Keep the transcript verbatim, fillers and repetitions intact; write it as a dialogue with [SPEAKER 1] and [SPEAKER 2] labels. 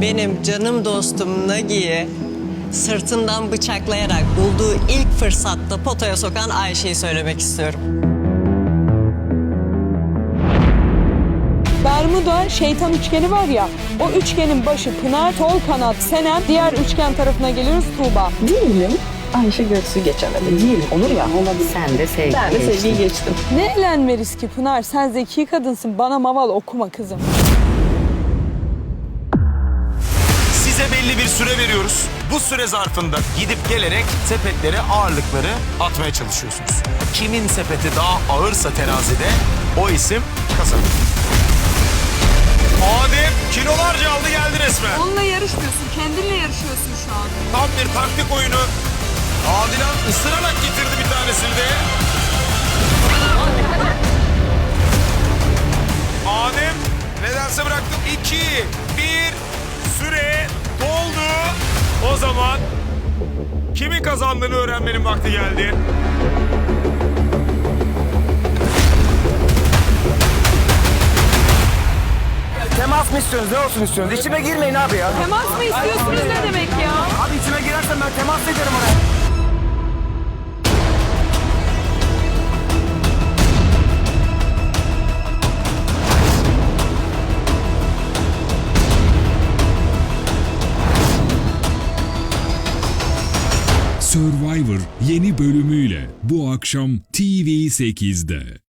[SPEAKER 1] benim canım dostum Nagi'yi sırtından bıçaklayarak bulduğu ilk fırsatta potaya sokan Ayşe'yi söylemek istiyorum.
[SPEAKER 2] Bermuda şeytan üçgeni var ya, o üçgenin başı Pınar, sol kanat Senem, diğer üçgen tarafına geliyoruz Tuğba.
[SPEAKER 3] Diyelim Ayşe Göksu geçemedi. Diyelim olur ya. Olabilir.
[SPEAKER 4] Sen de sevgi
[SPEAKER 3] Ben de
[SPEAKER 4] geçtin.
[SPEAKER 3] sevgiyi geçtim.
[SPEAKER 2] Ne eğlenme riski Pınar, sen zeki kadınsın, bana maval okuma kızım.
[SPEAKER 5] Size belli bir süre veriyoruz. Bu süre zarfında gidip gelerek sepetlere ağırlıkları atmaya çalışıyorsunuz. Kimin sepeti daha ağırsa terazide o isim kazanır. Adem kilolarca aldı geldi resmen.
[SPEAKER 2] Onunla yarışmıyorsun, kendinle yarışıyorsun şu an.
[SPEAKER 5] Tam bir taktik oyunu. Adilan ısırarak getirdi bir tanesini de. Adem nedense bıraktım. İki, bir, süre doldu. O zaman kimin kazandığını öğrenmenin vakti geldi.
[SPEAKER 6] Temas mı istiyorsunuz? Ne olsun istiyorsunuz? İçime girmeyin abi ya.
[SPEAKER 2] Temas mı istiyorsunuz ne demek ya?
[SPEAKER 6] Abi içime girersen ben temas ederim oraya.
[SPEAKER 7] Survivor yeni bölümüyle bu akşam T V sekizde.